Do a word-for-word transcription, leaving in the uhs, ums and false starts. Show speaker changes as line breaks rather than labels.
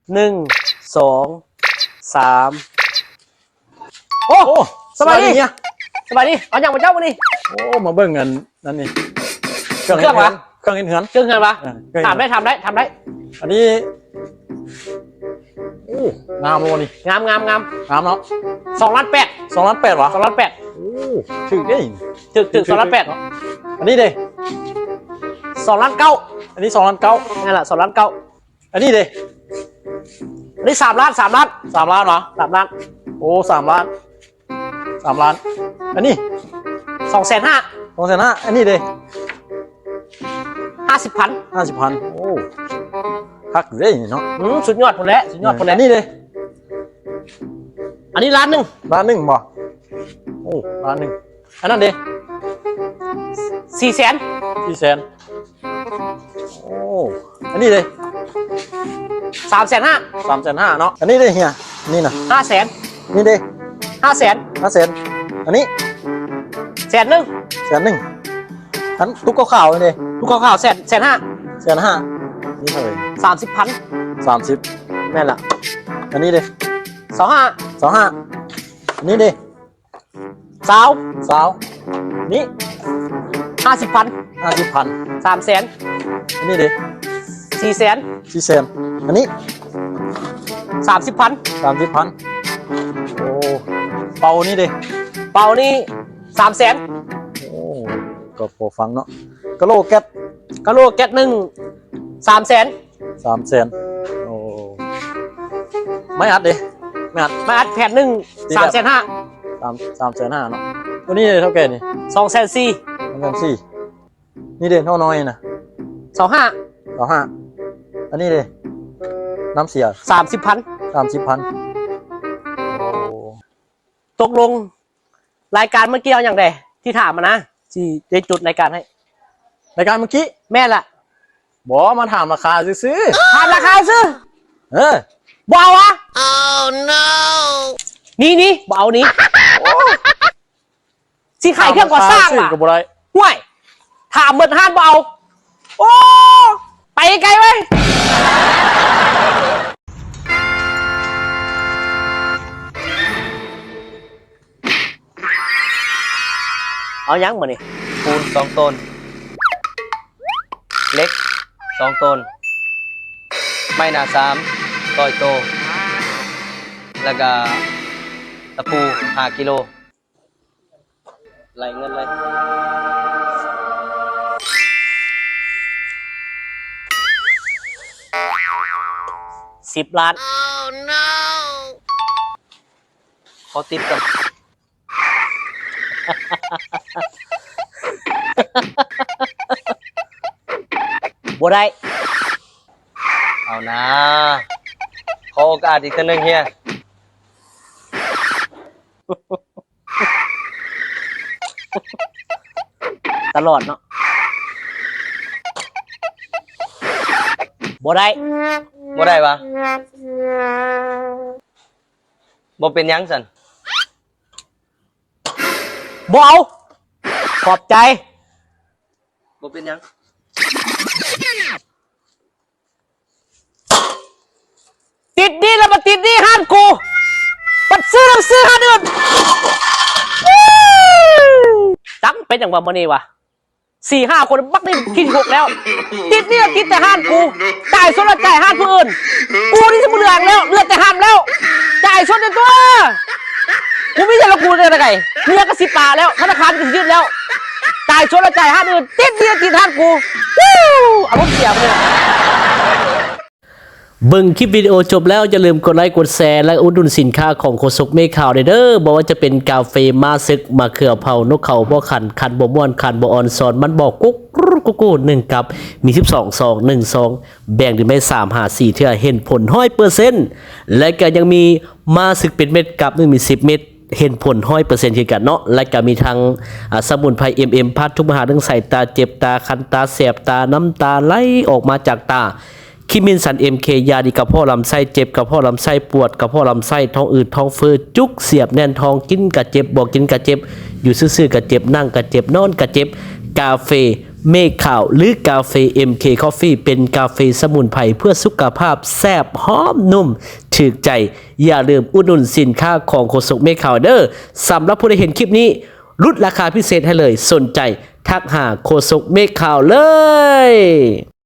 หนึ่งสองสามโอ้สบายดีเนี่ยสบายดีเอาอย่างมาเจ้ามาดิ
โอ้มาเบิ่งกันนั่นนี่
เครื่องวะ
เครื่องเห็นเหือน
เครื่องเหือนวะทำได้ทำได้ทำได้
อันนี้โอ้งามเลยนี่
งามงามงาม
งามเนาะ
สองล้านแปด
สองล้านแปดวะ
สองล้านแปด
โอ้ถึงได้
ถึงถึงสองล้านแปด
อันนี้เด้
สองล้านเก้า
อันนี้สองล้านเก้า
นั่นแหละสองล้านเก้า
อันนี้เด้
อันนี้สามล้านสามล้าน
สามล้านเหรอ
สามล้าน
โอ้สามล้านสามล้านอันนี้
สองแสนห้า
สองแสนห้าอันนี้เด้
ห้าสิบพัน
ห้าสิบพันโอ้คักเลยเนาะ
อืมสุดยอดคนแล้วสุดยอดคนแล้ว
นี่เลย
อันนี้ล้านหนึ่ง
ล้านหนึ่งบ่โอ้ล้านหนึ่งอันนั้นเด้
สี่แสน
สี่แสนโอ้อันนี้เลย
สามแสนห้า
สามแสนห้าเนาะอันนี้เด้เฮียนี่นะ
ห้าแสน
นี่เด้
ห้าแสน
ห้าแสนอันนี้
แสนหนึ่ง
แสนหนึ่งอันทุกข้าวเลย
ทุกข้าวแสนแสนห้า
แสนห้านี่เท่าไหร่
สามสิบพัน
สามสิบ
แม่นละ
อันนี้เด้
สองห้า
สองห้าอันนี้เด้
สาว
สาวนี่
ห้าสิบพัน
ห้าสิบพัน
สามแสน
อันนี้เด้
สี่แสน
สี่แสนอันนี้
สามสิบพัน
สามสิบพันโอ้เป่านี่เด้
เป่านี่สามแสน
โอ้ก็พอฟังเนาะกะโลแก๊ส
กะโลแก๊สหนึ่งสามแสน
สามแสนโอ้ไม่อัดเด้ไม่อัด
ไม่อัดแผ่นหนึ่งสามแสนห้า
สามสามแสนห้าเนาะตัวนี้เท่าแก่นี่
สองแสนสี่
สองแสนสี่นี่เด่นเท่าน้อยนะ
สองห้า
สองห้าอันนี้เลยน้ำเสีย
สามสิบพัน
สามสิบพันโอ้
ตกลงรายการเมื่อกี้เอาอย่างไรที่ถามมานะที่ได้จุดรายการให้
รายการเมื่อกี้
แม่ละ
บอกมาถามราคาซื้อ
ถามราคาซื้อ
เออ
บ่าวะ oh no นี่นี่บ่าวนี้สิขายเครื่องก่อสร้างอ่ะห่วยถามเหมือนห้านบ่าวโอ้ไปไกลไว้เอายังมานี่
ปูนสองต้นเล็กสองต้นไม้หนาสามต้อยโตแล้วก็ตะปูห้ากิโลไหลเงินเลย
สิบล้าน
oh no ขอติดกัน
บ่ได้
เอานะขอโอกาสอีกทีนึงเฮีย
ตลอดเนาะบ่ได้
บ่ได้ปะบ่เป็นยังสัน
บ่เอาขอบใจ
บ่เป็นยัง
ติดนี่แล้วมาติดนี่ห้านกูปัดซื้อแล้วซื้อห้านอื่นจังเป็นอย่างว่าโมนี่วะสี่ห้าคนบักนี่คิดหกแล้วติดนี่ติดแต่ห้านกูจ่ายส่วนละจ่ายห้านผู้อื่นกูนี่จะมือเหลืองแล้วเลือดแต่ห้ามแล้วจ่ายส่วนในตัวกูไม่ใช่ละกูเลยนะไก่เมียก็สิบปาแล้วธนาคารก็ยืดแล้วจ่ายส่วนละจ่ายห้านอื่นติดนี่ติดห้านกูอารมณ์เสียเลยเบิ่งคลิปวิดีโอจบแล้วอย่าลืมกดไลค์กดแชร์และอุดหนุนสินค้าของโคศกเมฆขาวเด้อบอกว่าจะเป็นกาแฟมาซึกมาเขือเผานกเขาบ่ขันขันบ่ม่วนขันบ่อ่อนสอนมันบอกกุ๊กกุ๊กกุ๊กหนึ่งกับมีสิบสองซองหนึ่งซองแบ่งถึงไม่สามห้าสี่เท่าเห็นผลร้อยเปอร์เซ็นต์และก็ยังมีมาซึกเป็นเม็ดกับหนึ่งมีสิบเม็ดเห็นผลร้อยเปอร์เซ็นต์เช่นกันเนาะและก็มีทางสมุนไพรเอ็มเอ็มพัดทุกมหาเรื่องใส่ตาเจ็บตาคันตาแสบตาน้ำตาไหลออกมาจากตาคิมินสันเอ็มเคยาดีกับพ่อลำไส้เจ็บกับพ่อลำไส้ปวดกับพ่อลำไส้ท้องอืดท้องเฟ้อจุกเสียบแน่นท้องกินกะเจ็บบอกกินกะเจ็บอยู่ซื่อๆกะเจ็บนั่งกะเจ็บนอนกะเจ็บกาแฟเมฆขาวหรือกาแฟ เอ็ม เค Coffee เป็นกาแฟสมุนไพรเพื่อสุขภาพแซ่บหอมนุ่มถึกใจอย่าลืมอุดหนุนสินค้าของโคศกเมฆขาวเด้อสำหรับผู้ใดเห็นคลิปนี้ลดราคาพิเศษให้เลยสนใจทักหาโคศกเมฆขาวเลย